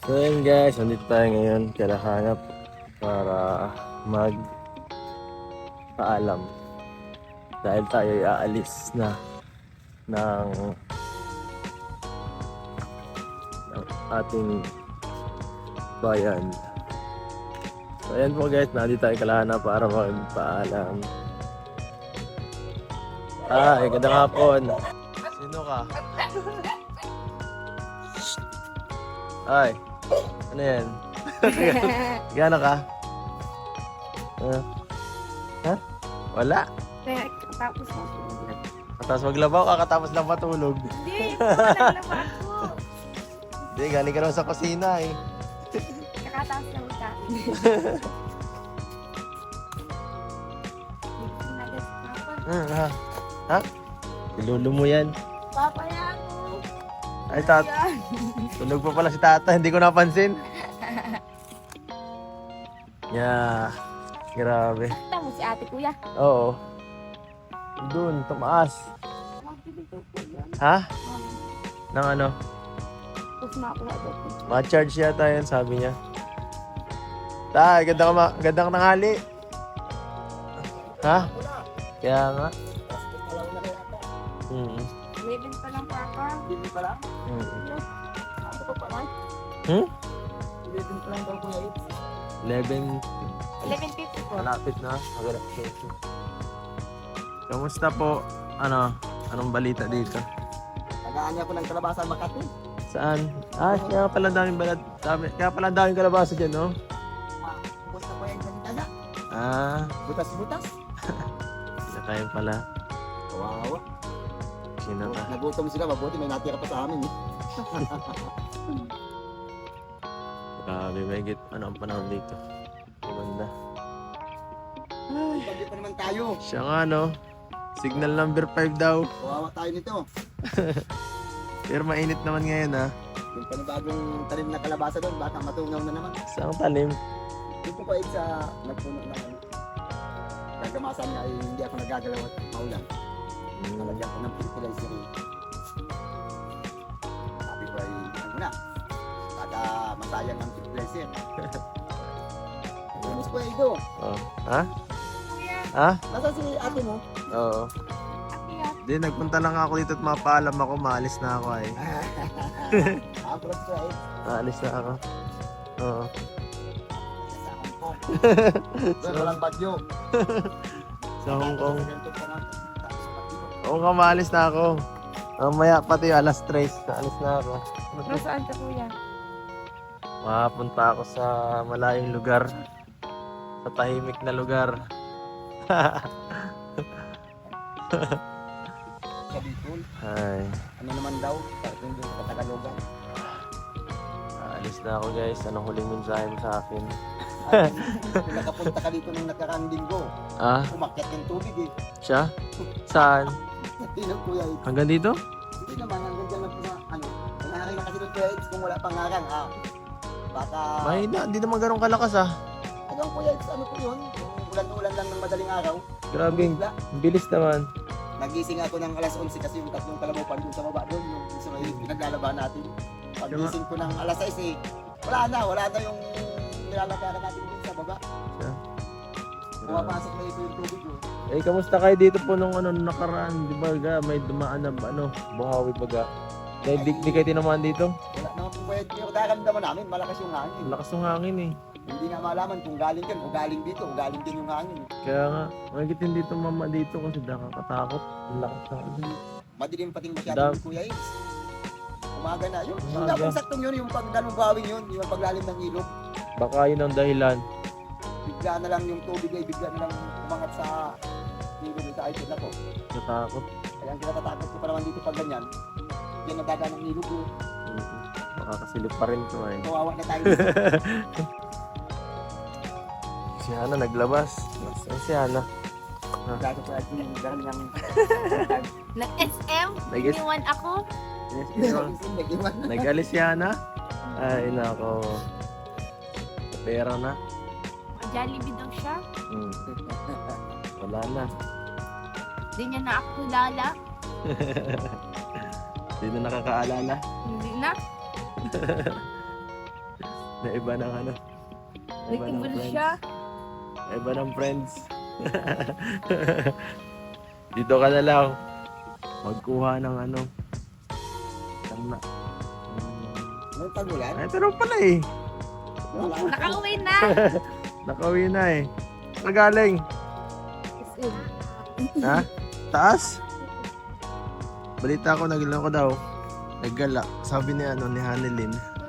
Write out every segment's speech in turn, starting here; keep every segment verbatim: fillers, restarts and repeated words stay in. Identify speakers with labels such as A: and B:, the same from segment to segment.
A: So yun guys, nandito tayo ngayon kailanganap para mag paalam dahil tayo ay aalis na ng, ng ating bayan. So ayan po guys, nandito tayo kailanganap para magpaalam. Ay, gandang hapon. Sino ka? Ay, ano yan? Gano ka? Uh, ha? Wala.
B: Kaya tapos na.
A: Katapos maglabaw, kakatapos lang matulog.
B: Hindi, naglaba ako.
A: Hindi, galing ka naman sa kusina eh.
B: Kakatapos lang sa akin. Nagas papa.
A: Hmm, ha? Ha? Ilulu mo yan.
B: Papa yan ako.
A: Ay, tat. Tulog pa pala si tata, hindi ko napansin. Yeah. Grabe.
B: Tapos si ate kuya.
A: Oo. Doon, tumaas. Ha? Nang ano?
B: Tapos na ako na doon.
A: Ma-charge yata yan, sabi niya. Tay, ganda ka ma- gandang tanghali. Ha? Kaya nga. Mm.
B: eleven pa lang papa. eleven pa lang?
A: Mm.
B: Ako pa pala.
A: Hmm?
B: eleven pa lang daw kuya.
A: eleven.
B: eleven fifty po.
A: Malapit na. Magalap. Kamusta po? Ano? Anong balita dito?
C: Tagaan niya ako ng kalabasa Makati.
A: Saan? Ah, kaya pala daming balad. Dami, kaya pala daming kalabasa dyan, no?
C: Ah, ubos na po yan dyan taga.
A: Ah,
C: Butas-butas.
A: kinakain pala.
C: Kawawa.
A: Kinaka.
C: Nagutom sila, mabuti may natira pa sa amin. Eh.
A: Grabe, may git. Ano ang panahon dito? Maganda.
C: Pagdi pa naman tayo.
A: Siya nga, no? Signal number five daw.
C: Kawawa tayo nito.
A: Pero mainit naman ngayon, ha?
C: Yung panibagong talim na kalabasa doon, baka matungaw na naman.
A: Saan talim?
C: Dito ko sa nagpuno na ano. Gagamasan niya ay hindi ako nagagalaw at maulan. Nalagyan ko ng fertilizer. Eh. Sabi ko ay ano na. Kada masayang ang fertilizer. Kamus ko ay ito.
A: Oh. Ha?
B: Kuya,
A: Ha?
C: Nasaan si ate mo?
A: Oo.
B: kuya.
A: Di, nagpunta lang ako dito at mapaalam ako. Maalis na ako, ay.
C: Ah, pero siya ay
A: Maalis na ako. Oo.
C: sa Hong Kong. Pero walang bagyo.
A: Sa Hong Kong.
C: Ganito pa nga. Tapos sa bagyo.
A: Oo nga, maalis na ako. Mamaya pati alas tres. Naalis na ako.
B: Nasaan ka kuya?
A: Makapunta ako sa malayong lugar. Sa tahimik na lugar.
C: Sa Bicol.
A: Ay.
C: Ano naman daw? Parang doon sa Katagalogan.
A: Alis na ako guys. Anong huling mensahe mo sa akin?
C: Ay, kung nakapunta ka dito nung nakaraang linggo,
A: Ah?
C: umakyat yung tubig eh.
A: Siya? Saan?
C: Hindi na kuya eh.
A: Hanggang dito?
C: Hindi naman, hanggang dyan lang po sa ano. Nangaring na kasi doon kuya Eds kung wala pang ngarang ah. Baka,
A: Mahina. Hindi naman ganun kalakas ah.
C: hanggang kuya Eds, ano po yun? Kung ulan-ulan lang ng madaling araw.
A: Grabe.
C: bigla.
A: Ang bilis naman.
C: Nagising ako ng alas onse kasi yung tatlong kalabaw pa doon sa baba doon. Yung sa may pinaglalaban natin. Pagising ko ng alas sais eh. Wala na, wala na yung nilalagaran natin doon sa baba.
A: Siya.
C: Pumapasok na ito yung tubig oh.
A: Eh, kamusta kayo dito po nung ano, nung nakaraan? Di ba ga, may dumaan na ano, buhawi baga. Dahil di, di kayo tinamaan dito?
C: Wala naman po pwede. Yung nararamdaman namin, malakas yung hangin.
A: Lakas ng hangin eh.
C: Hindi nga malaman kung galing yan o galing dito o galing din yung hangin.
A: Kaya nga, magigit hindi dito mama dito kasi nakakatakot. Ang lakas ng hangin.
C: Madilim pating masyado
A: Dam-
C: yung Kuya Ace. Umaga na. Yung, yung
A: Umaga.
C: dapat saktong yun, yung pagdanong bawing yun, yung paglalim ng ilog.
A: Baka yun ang dahilan.
C: Bigla na lang yung tubig ay bigla na lang umangat sa ilog sa ipod na ko.
A: Natakot.
C: Kaya ang kinatatakot ko pa naman dito pag ganyan, yan ang daga ng ilog yun.
A: Mm-hmm. Baka kasilip pa rin ito eh.
C: Kawawa na tayo dito.
A: Si Hana naglabas. Nasaan si Hana?
C: Gago pa ito yung galing ng...
B: Nag-S M?
A: Nag-S-
B: Iniwan ako?
A: Yes, ito.
C: Nag-iwan.
A: Nag-alis si Hana? Ay, nako. Pera na.
B: Jollibee daw siya.
A: Hmm. Wala na.
B: Hindi niya na ako kilala.
A: Hindi na nakakaalala.
B: Hindi na.
A: Na iba ng ano. Na iba ng
B: Nag-ibul
A: friends.
B: siya.
A: Na iba ng friends. Dito ka na lang. Magkuha ng ano. Isang na.
C: Nung tagulan,
A: Ay, pero pala eh.
C: wala.
B: Nakauwi na.
A: Nakauwi na eh. Nagaling.
B: S M.
A: Ha? Taas? Balita ko, nagala ko daw. Naggala. Sabi ni ano, ni Hanelin.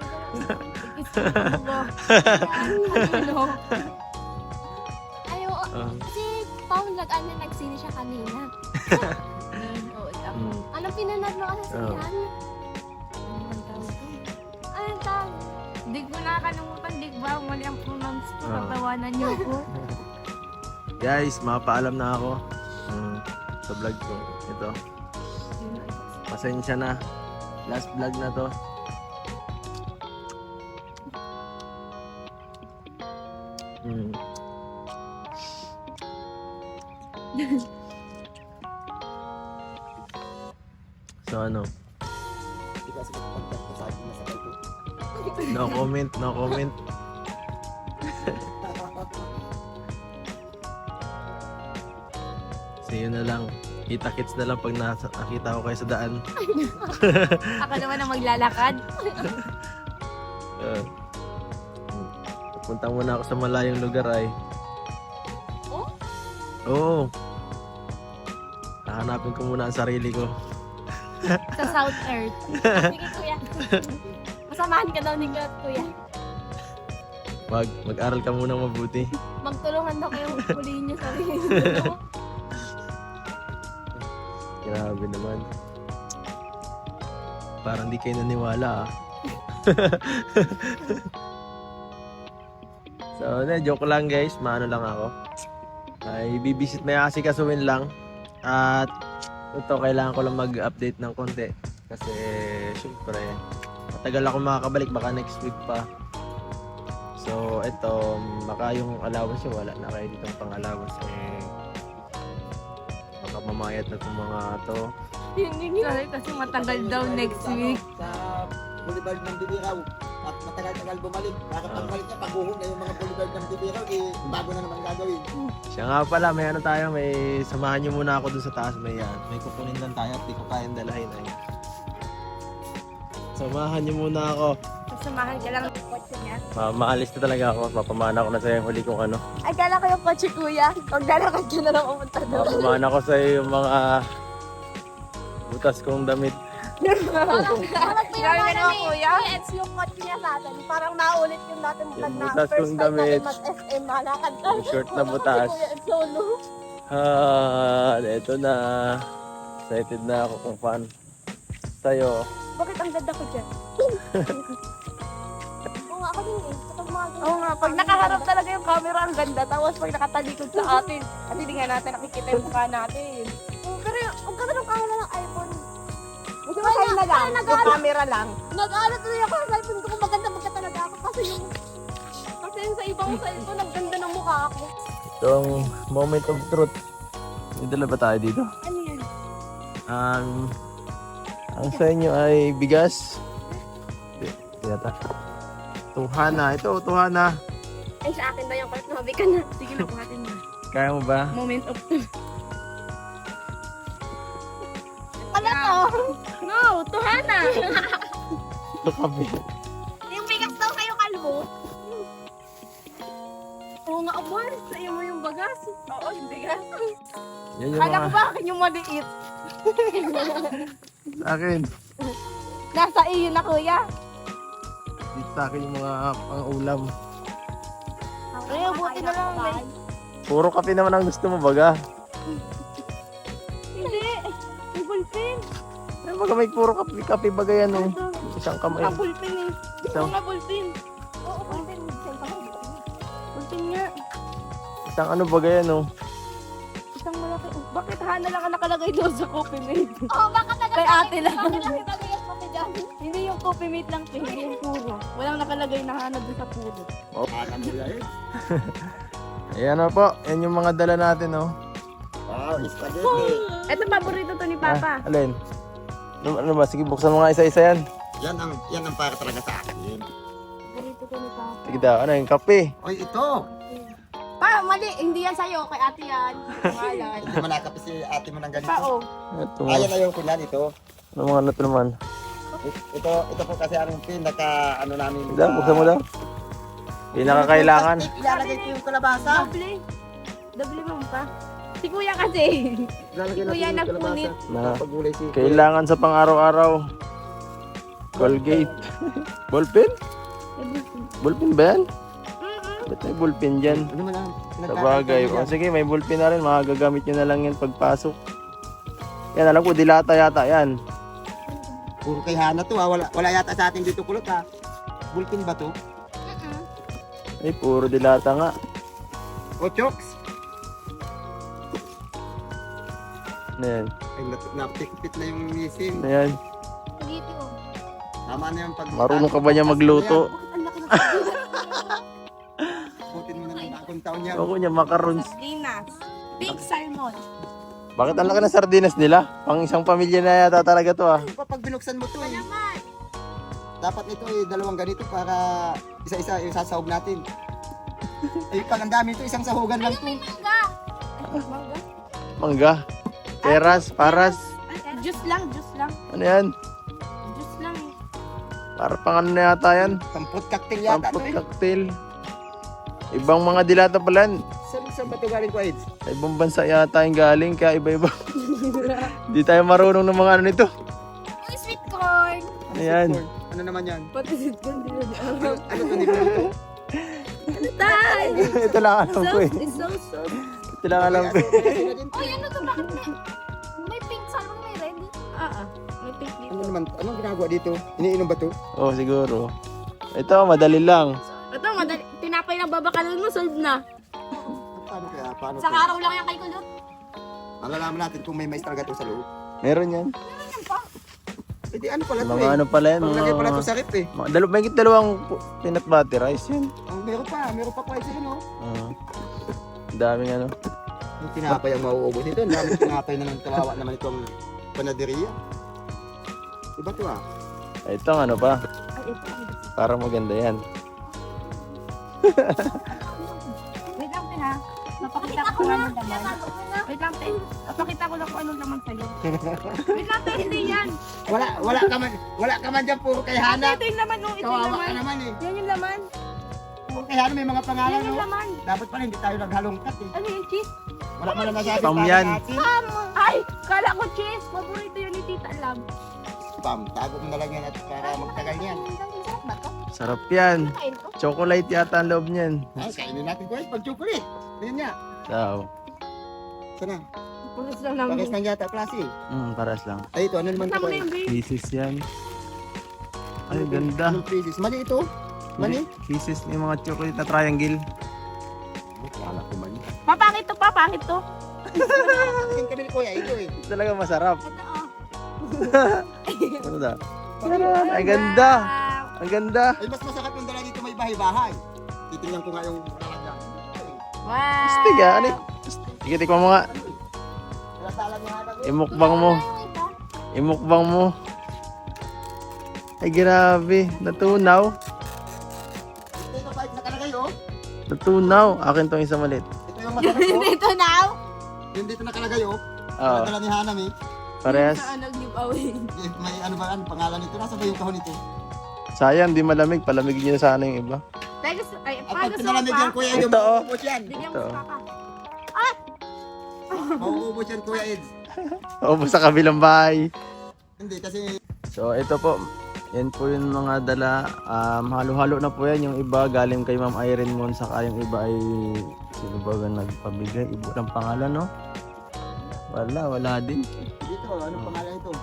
B: Ano?
D: Ayo,
A: Uh,
D: kasi Paul nag-ano, nagsini siya kanina.
B: Oo, ako.
A: mm.
D: Anong pinanood mo kasi
A: Oo.
D: yan?
B: Ano man tawag to?
D: Anong tawag?
B: Di ko nakakalimutan, di ba? Mali ang pronounce ko.
A: Oo.
B: Tatawanan niyo ko.
A: Guys, mapaalam na ako. Mm, sa vlog ko. Ito. Pasensya na. Last vlog na to. Mm. So ano?
C: Hindi kasi magpagpag ko sa akin na sakay ko.
A: No comment, no comment. So yun na lang. Kita-kits na lang pag nasa, nakita ko kayo sa daan.
B: Ako naman ang maglalakad.
A: Uh, Pupunta muna ako sa malayong lugar ay.
D: Oh?
A: Oo. Hahanapin ko muna ang sarili ko.
B: Sa South Earth.
D: Sige kuya. Masamahan ka daw ni kuya.
A: Mag, mag-aral ka muna mabuti.
D: Magtulungan daw kayo huliin niyo sarili niyo.
A: Grabe naman. Parang di kayo naniwala ah. So, na, joke lang guys. Maano lang ako. Ay, bibisit, may asikasuhin lang. At ito, kailangan ko lang mag-update ng konti. Kasi, syempre, matagal ako makakabalik. Baka next week pa. So, ito, baka yung allowance yung wala na kayo ditong pang allowance. Eh, baka mamayat na itong mga to.
B: Sorry, kasi matagal daw next week.
C: Sa Boulevard ng Bibiraw. At matagal-tagal bumalik. Bakit
A: Oo.
C: pagbalik niya, pagbuhong na yung mga Boulevard ng Bibiraw, eh, bago na naman gagawin.
A: Siya nga pala, may ano tayo, may samahan nyo muna ako dun sa taas. May yan. May kukunin lang tayo at di ko kayang dalahin ay. Samahan nyo muna ako.
B: Sasamahan ka lang ng kotse niya.
A: Ma maalis na talaga ako. Mapamana ko na sa'yo yung huli kong ano.
D: Ay, kala ko yung kotse kuya. Huwag lalakad ka na lang pumunta doon.
A: Mapamana ko sa'yo yung mga butas kong damit.
D: Parang
B: Grabe
D: pinamana
B: ka naman,
D: ni
B: kuya.
D: Kuya Eds yung kotse niya sa atin. Parang naulit yung natin
A: Yung
D: na
A: butas
D: first
A: kong
D: time
A: damit.
D: natin mag-S M. Malakad ka.
A: Yung short na butas.
D: Si Kuya Eds solo.
A: Ah, eto na. Excited na ako kung fan sa'yo.
D: Bakit ang ganda ko dyan? Oo nga, ako din eh. Kapag mga ganyan.
B: Oo nga, pag nakaharap talaga yung camera, ang ganda. Tapos pag nakatalikod sa atin, at hindi nga natin nakikita yung mukha natin.
D: Oo, pero ang ganda ng camera ng iPhone.
B: Hindi ba kayo na lang? Yung camera lang.
D: Nag-ano tuloy ako sa iPhone ko kung maganda magka talaga ako kasi yung kasi yung sa ibang cellphone ang ganda ng mukha ako.
A: Itong moment of truth. May dala ba tayo dito?
D: Ano yan?
A: Ang ang sa inyo ay bigas. Yata. Tuhana. Ito, tuhana.
D: Ay, sa akin ba yung part? Nabi ka na.
B: Sige na, buhatin mo.
A: Kaya mo ba?
B: Moment of truth.
D: Ano to?
B: No, tuhana!
A: Ito kape.
D: Yung bigas daw kayo kalbo.
B: Oo nga, Abor. Sa'yo mo yung bagas. Oo, yung bigas.
A: Yan yung
B: Kala ko
A: mga
B: ba akin yung maliit?
A: sa akin.
B: Nasa iyo na, kuya.
A: Dito sa akin yung mga pang-ulam.
B: Kaya buti na lang. May...
A: Puro kape naman ang gusto mo baga.
B: Hindi. May ballpen.
A: Ay, baga may puro kape, kape baga yan oh. Isang kamay.
B: Mga ballpen eh.
A: Isang,
B: Mga ballpen.
D: Oo, pwede.
B: Ballpen nga.
A: isang ano baga yan oh.
B: Isang malaki. Bakit hana lang ang nakalagay doon sa coffee mate?
D: Oo, baka talaga.
B: Kay ate lang.
D: Bakit lang kita bigas pa dyan?
B: Hindi yung coffee mate lang, te. Hindi yung puro. Walang nakalagay na hana doon sa puro.
C: Alam mo yan.
A: Ayan na po. Yan yung mga dala natin oh.
C: Wow, spaghetti.
B: Ito paborito to ni Papa.
A: Ah, alin? Ano, ano ba? Sige, buksan mo nga isa-isa yan.
C: Yan ang yan ang para talaga sa akin.
D: Ganito ko ni Papa.
A: Sige daw, ano yung kape?
C: Oy, ito.
D: Pa, mali. Hindi yan sa'yo. Kay ate yan. Pangalan.
C: Hindi mo nakapis si ate mo ng ganito.
D: Pa, oh.
A: Ito,
C: Ayan na yung kunyan ito.
A: ano mga ano to naman?
C: Ito, ito po kasi ang pinaka ano namin.
A: Daw, buksan mo daw. Pinakakailangan.
C: Plastic, ilalagay ko yung kalabasa.
D: Doble. Doble mo pa. Si kuya kasi.
C: Ilalagay
D: Si kuya
C: natin yung
D: nagpunit.
C: kalabasa.
A: Na
C: Pagulay si
A: kailangan sa pang-araw-araw. Colgate. Ballpen? Ballpen ba yan? Ba't may ballpen dyan?
C: Ano man ang
A: Sa bagay. O, sige, may ballpen na rin. Makagagamit nyo na lang yan pagpasok. Yan, alam ko, dilata yata yan.
C: Puro kay Hana to ha. Wala, wala yata sa atin dito kulot ha. Bulkin ba to?
A: Ay, puro dilata nga.
C: O chokes?
A: Ano yan?
C: Ay, nat- napikpit na yung misim.
A: Ano yan?
D: Dito.
C: Tama na yung pag...
A: Marunong ka ba niya magluto?
D: Ang laki ng
C: Putin mo na ng bagong taon niya.
A: Ako niya, macarons.
D: sardinas. Big salmon.
A: Bakit ang laki ng sardinas nila? Pang isang pamilya na yata talaga to ah.
C: Kapag binuksan mo to eh.
D: Naman.
C: Dapat ito eh, dalawang ganito para isa-isa yung sasahog natin. Eh, pag ang dami ito, isang sahugan lang to.
D: Mangga. Ay, mangga.
A: Mangga. Teras, paras.
D: Juice lang, juice lang.
A: Ano yan?
D: Juice lang.
A: Para pang ano na yata yan?
C: Pamput cocktail yata to
A: Pampot
C: eh.
A: cocktail. Ibang mga dilata pala yan.
C: Saan, saan ba ito galing ko, Eds?
A: Sa ibang bansa yata yung galing, kaya iba-iba. Di tayo marunong ng mga ano nito.
D: Uy, sweet corn.
C: Ano
A: Ayan.
C: sweet corn? Ano naman yan?
D: Pati sweet corn din na
C: Ano, ano to niluluto?
D: Ano tayo?
A: Ito lang alam ko eh.
D: It's so soft.
A: Ito lang alam ko eh.
D: Uy, ano to? Bakit may, may pink salmon, may red? Ah, ah. May pink dito.
C: Ano naman? Anong ginagawa dito? Iniinom ba to?
A: Oo, oh, siguro. Ito, madali lang.
D: Ito, madali. Tinapay lang babakalan mo, solve na.
C: Paano kaya? Paano
D: Sa
C: kaya?
D: araw lang yan kay Kulot.
C: Malalaman natin kung may mais talaga to sa loob.
A: Meron yan.
C: Eh di ano pala to
A: Mga
C: eh.
A: ano pala yan.
C: Panglagay pala to
A: Mga,
C: sa rip eh.
A: mga dalaw, may dalawang pu- peanut butter rice yan.
C: Ang meron pa, meron pa kway sa'yo no?
A: Ah. Ang daming ano.
C: Yung tinapay ang mauubos nito. Ang daming tinapay na ng kawawa naman itong panaderia. Iba to ah.
A: Ito ano pa.
D: Ay, ito.
A: Para maganda yan.
B: Wait lang, te, ha? Mapakita ko kung anong laman. Wait lang, te. Mapakita ko lang kung anong laman sa'yo. Wait lang, te. Hindi yan.
C: Wala, wala ka man, wala ka man dyan puro kay Hana.
B: Ito yung laman, no? Ito yung
C: Kawawa
B: laman.
C: ka naman eh.
B: Yan yung laman.
C: Puro kay Hana may mga pangalan
B: Yan yung
C: no.
B: laman.
C: Dapat pala hindi tayo naghalongkat eh.
B: Ano yung cheese?
C: Wala man lang nasabi
A: Pam
C: para
A: yan.
C: natin.
B: Ay, kala ko cheese. Paborito yun ni Tita Lab.
C: Pam, tago mo na lang yan at para magtagal yan.
B: Sarap ba to?
A: Sarap yan.
B: Kain ko.
A: Chocolate yata ang loob niyan.
C: Ay, kainin natin guys, pag chocolate. Tingnan niya.
A: So,
C: Sana,
B: Pulis lang namin.
C: pares lang yata klase.
A: mm, paras lang.
C: Ay, ito, ano naman ito?
B: Tama na yung babe.
A: Pieces yan. Ay, ganda.
C: Anong pieces? Mali ito? Mali?
A: Pieces may mga chocolate na triangle.
C: Wala ko mali.
B: Papangit to, papangit to.
C: Tingin kami ni Kuya, ito eh.
A: Talaga masarap.
B: Ito, oh.
A: Ano da? Ay, ganda. Ang ganda.
C: Ay, mas masakit yung dala dito may bahay-bahay. Titingnan ko nga yung lalagyan.
B: Wow.
A: Astig ah. Ano? Sige, tikman mo nga.
C: Wala tala ni Hana ko.
A: Imukbang mo. Imukbang mo. Ay, grabe. Natunaw.
C: Ito pa, nakalagay oh.
A: Natunaw. Akin tong isang malit.
C: Ito yung masarap oh.
B: Dito now.
C: Yung dito nakalagay oh.
A: Oo.
C: Dala ni Hana mi.
A: Parehas.
B: Saan nag-giveaway?
C: May ano ba ano pangalan nito? Nasa ba yung kahon nito?
A: Sayang, di malamig. Palamigin niyo na sana yung iba.
B: Teka, ay,
C: At
B: paano
C: pag
B: sa
C: pinalamig yan,
B: pa?
C: Kuya,
A: Ito,
C: yung
A: oh.
C: mauubos yan.
B: Bigyan mo
A: Ito.
B: sa papa.
C: Mauubos yan, Kuya Eds.
A: O, sa kabilang bahay.
C: Hindi, kasi
A: So, ito po. Yan po yung mga dala. Um, halo-halo na po yan. Yung iba galing kay Ma'am Irene Moon. Saka yung iba ay sino ba ang nagpabigay? Ibo ng pangalan, no? Wala, wala din.
C: dito, ano pangalan ito?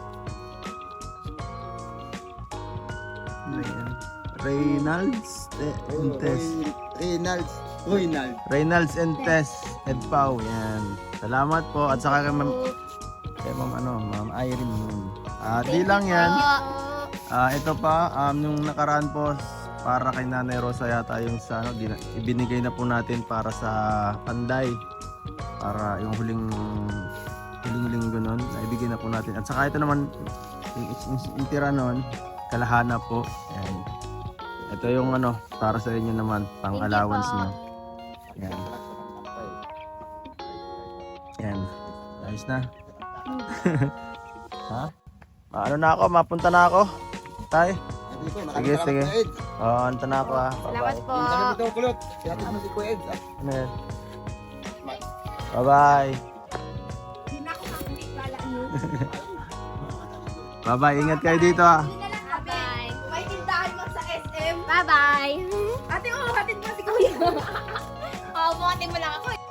A: Ayan. Reynolds eh, and Tess.
C: Roy- Reynolds. Reynolds.
A: Reynolds and Tess. Ed Pau. Yan. Salamat po. At saka kay Ma'am, kay Ma'am, ano, Ma'am Irene Moon. Ah, di lang yan. Ah, ito pa, um, yung nakaraan po, para kay Nanay Rosa yata yung sa, ano, di na- ibinigay na po natin para sa Panday. Para yung huling, huling linggo nun, naibigay na po natin. At saka ito naman, yung, yung, yung tira nun, kalahana po. Yan. Ito yung ano, para sa inyo naman, pang
D: Thank you
A: allowance
D: po.
A: niyo. Yan. Yan. Ayos na. Ha? Ano na ako, mapunta na ako. Tay.
C: Hindi ko,
A: Sige,
C: maraming salamat,
A: sige.
C: Kuya Ed.
A: Oh, anta na ako ah.
D: Salamat
A: Bye-bye.
D: po.
C: Yung tanong ito, kulot. Kaya mo si Kuya Ed. ah.
A: Ano yan? Bye-bye.
B: Hindi na ako kakabit, kala niyo.
A: Bye-bye. Ingat kayo dito ah.
B: Hindi na lang kami.
D: Bye.
B: May tindahan mo sa S M.
D: Bye-bye.
B: Ate, oh, hatid mo si Kuya.
D: Oo, bukatin mo lang ako.